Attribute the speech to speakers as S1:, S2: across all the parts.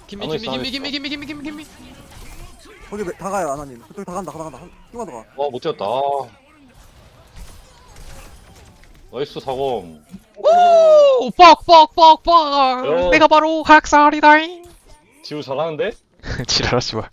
S1: 김미
S2: 안에
S1: 김미
S2: 있어, 안에
S1: 김미 김미 김미 김미 김미 김미.
S3: 거기 다 가요 아나님. 그쪽 다 간다. 쭉 가.
S2: 못 뛰었다. 나이스 사공.
S1: 오 뻑뻑뻑뻑.
S2: 요.
S1: 내가 바로 학살이다잉.
S2: 지우 잘하는데?
S1: 지랄아 씨발.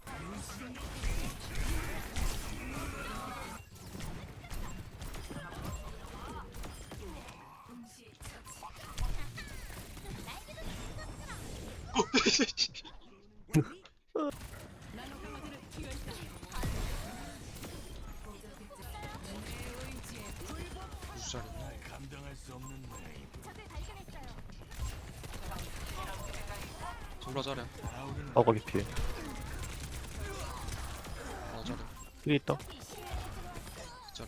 S1: 졸라 잘해.
S4: 거기 피해.
S1: 잘해.
S4: 여기 있다.
S1: 잘해.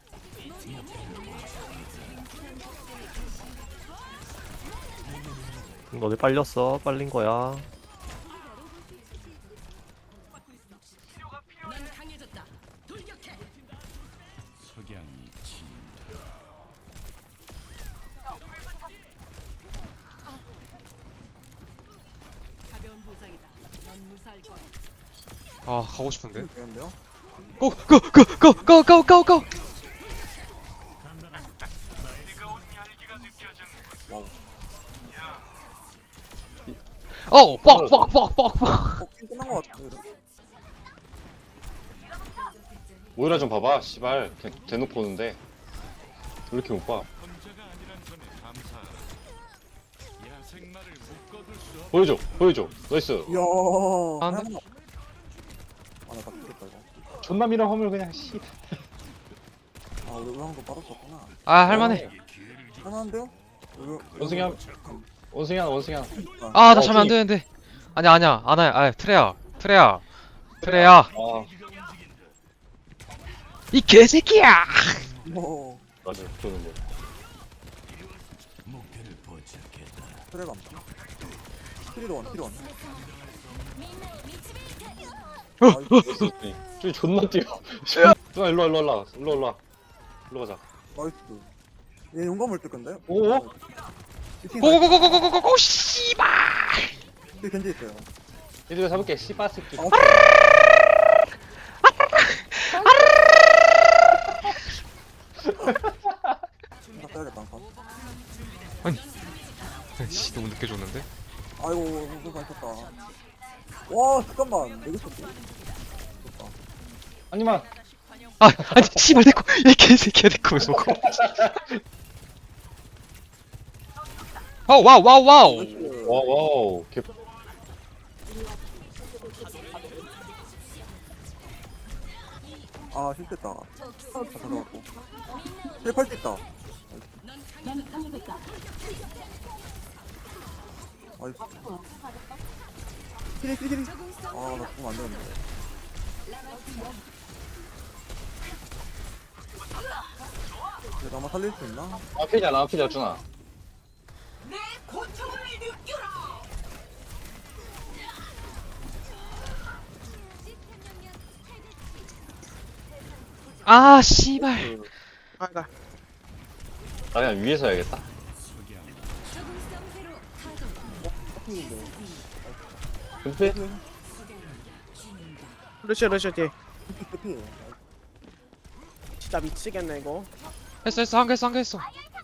S4: 너네 빨렸어. 빨린 거야.
S1: 아 가고 싶은데.
S3: 되는데요?
S1: 고고고고고고고고. 어 뻑뻑뻑뻑뻑.
S3: 게임 끝난 거 같아.
S2: 모이라 좀 봐봐. 씨발. 그냥 대놓고 오는데. 왜 이렇게 못 봐? 보여줘. 보여줘. 나이스.
S3: 이야.
S1: 안 돼.
S3: 아나 죽겠다 이거.
S2: 존남이랑 화물 그냥 씨.
S3: 아 우리 의왕도 빠졌었구나.
S1: 아 할만해.
S3: 할만한데요?
S2: 원숭이 한 원숭이 하나.
S1: 아 나 자면 안 되는데. 아니야 아나야. 아 트레야.
S2: 아
S1: 이 개새끼야.
S3: 뭐
S2: 맞아. 그러는 거.
S3: 트레가 안 돼. 키리원.
S2: 저기 존나 뛰어. 누나 일로 와. 일로 가자.
S3: 나이스. 얘 용감을 뜰 건데?
S2: 오?
S1: 고고고고고고고고 씨발.
S3: 뒤에 견제 있어요.
S2: 얘들아 잡을게. 씨바 새끼.
S3: 나 빼야겠다 한 칸.
S1: 씨 너무 늦게 줬는데.
S3: 아이고 너무 맛있었다. 와 잠깐만 내게 쳤지. 좋다.
S2: 아니만.
S1: 아니 씨발 내꺼 이 개새끼야 내꺼 왜 속어. 와우.
S3: 나이스.
S2: 와우. 개.
S3: 아 실패했다. 다 들어갔고. 실패할 수 있다. 아이스. 키리. 아나 죽으면 안 되는데. 그래도 아마 살릴 수 있나?
S2: 아피자 준아.
S1: 아 씨발.
S3: 아가.
S2: 나 그냥 위에서 해야겠다. 근데
S5: 루시오 뒤
S3: 피.
S5: 진짜 미치겠네 이거.
S1: 했어 한 개 했어.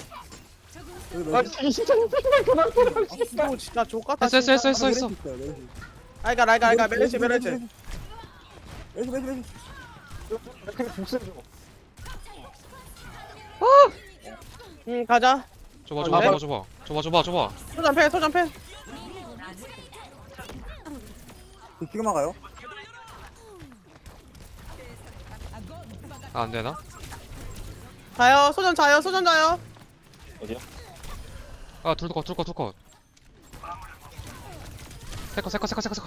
S3: 여기
S2: 진짜
S5: 이거 진짜 족같다.
S1: 했어.
S5: 알가 메르시.
S3: 메르시.
S5: 가자.
S1: 줘봐.
S5: 소전패.
S3: 지금 막아요?
S1: 아, 안 되나?
S5: 자요. 소전 자요.
S2: 어디야?
S1: 아, 둘 컷. 세컷.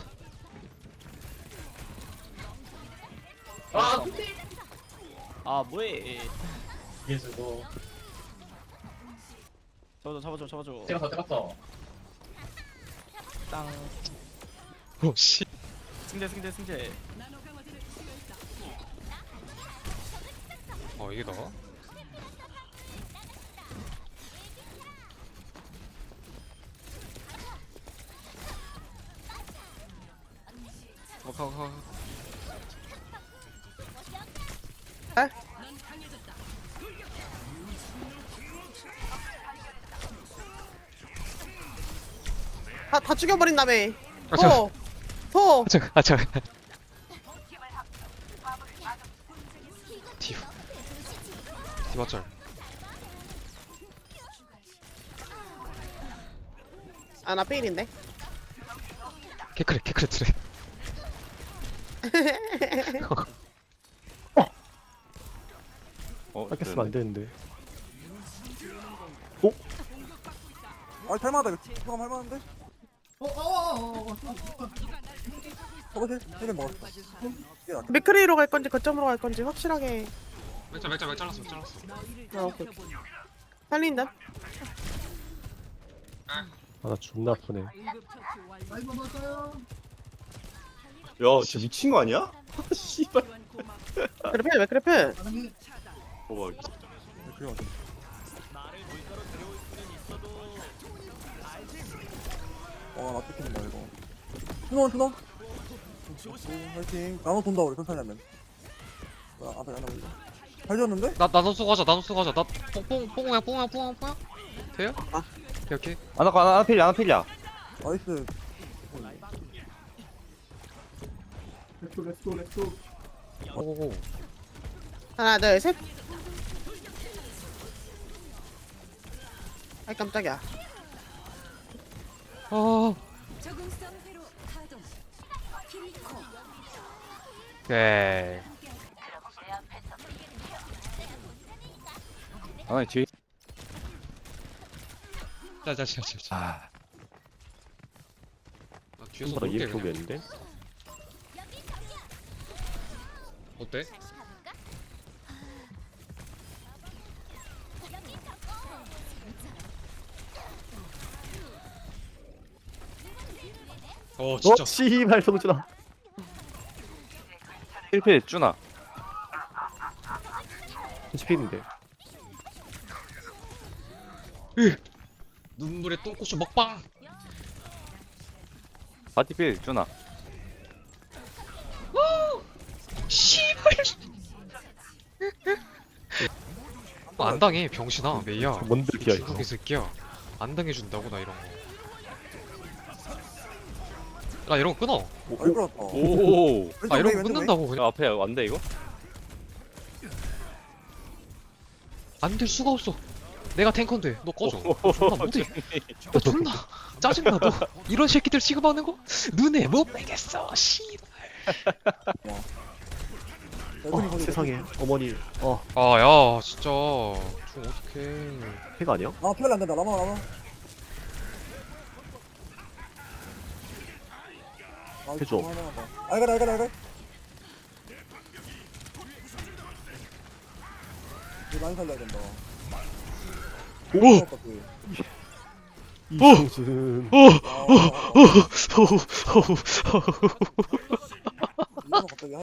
S5: 아 뭐해? 잡아줘.
S2: 찍었어.
S5: 땅.
S1: 오, 씨.
S5: 승재.
S1: 이게 나? 가.
S5: 다 죽여버린 다음에.
S1: 아, 잠깐.
S5: 소.
S1: 잠깐. 디바짤.
S5: 아, 나 페일인데.
S1: 캐크레 트레.
S4: 뺏겼으면 안 되는데.
S3: 아 할만하다 이거 수감 할만한데? 저거 힐 먹었어. 이게 낫겠다.
S5: 맥크리로 갈 건지 거점으로 갈 건지 확실하게.
S1: 맥 잘랐어.
S5: 아, 오케이. 살린다.
S4: 아, 나 존나 아프네.
S6: 야, 진짜 미친 거 아니야? 씨발.
S5: 맥크리필.
S6: 봐봐.
S3: 그래 맞아. 나 뜯긴다 이거. 준호. 화이팅. 나눠 돈다 우리 천천히 하면. 앞에 하나 올려. 잘 지었는데?
S1: 나노스 가자. 나 뽕이야. 돼요?
S5: 아.
S1: 오케이.
S2: 하나 필이야.
S3: 나이스.
S1: 오고고.
S5: 하나, 둘, 셋. 아이 깜짝이야.
S1: 아. 오케이.
S2: 아 뒤에.
S1: 자. 나 뒤에서
S4: 손보다
S1: 볼게
S4: 이렇게
S1: 그냥.
S4: 오겠는데?
S1: 어때? 진짜.
S4: 씨발 성준아.
S2: 1필 쭈나.
S4: 10필인데.
S1: 눈물에 똥꼬쇼 먹방.
S2: 바티필 쭈나.
S1: 씨발. 안 당해 병신아 메이야.
S4: 뭔데 비야 이거.
S1: 중국이 새끼야. 안 당해준다고 나 이런 거. 나 이런 거 끊어.
S3: 아 이거 다
S2: 오.
S1: 아 이런 거 끊는다고 그냥.
S2: 야, 앞에 안돼 이거?
S1: 안 될 수가 없어. 내가 탱커인데 너 꺼져. 존나 못해. 너 존나 짜증나. 너 이런 새끼들 취급하는 거 눈에 못 빼겠어. 씨발.
S4: 세상에 어머니.
S1: 아야 진짜 좀 어떡해.
S4: 해가 아니야?
S3: 아 피할래 안 된다. 라마.
S4: 해줘.
S3: 알갈. 이거 많이 살려야 된다.
S1: 오!
S4: 이성준.
S3: 이거 갑자기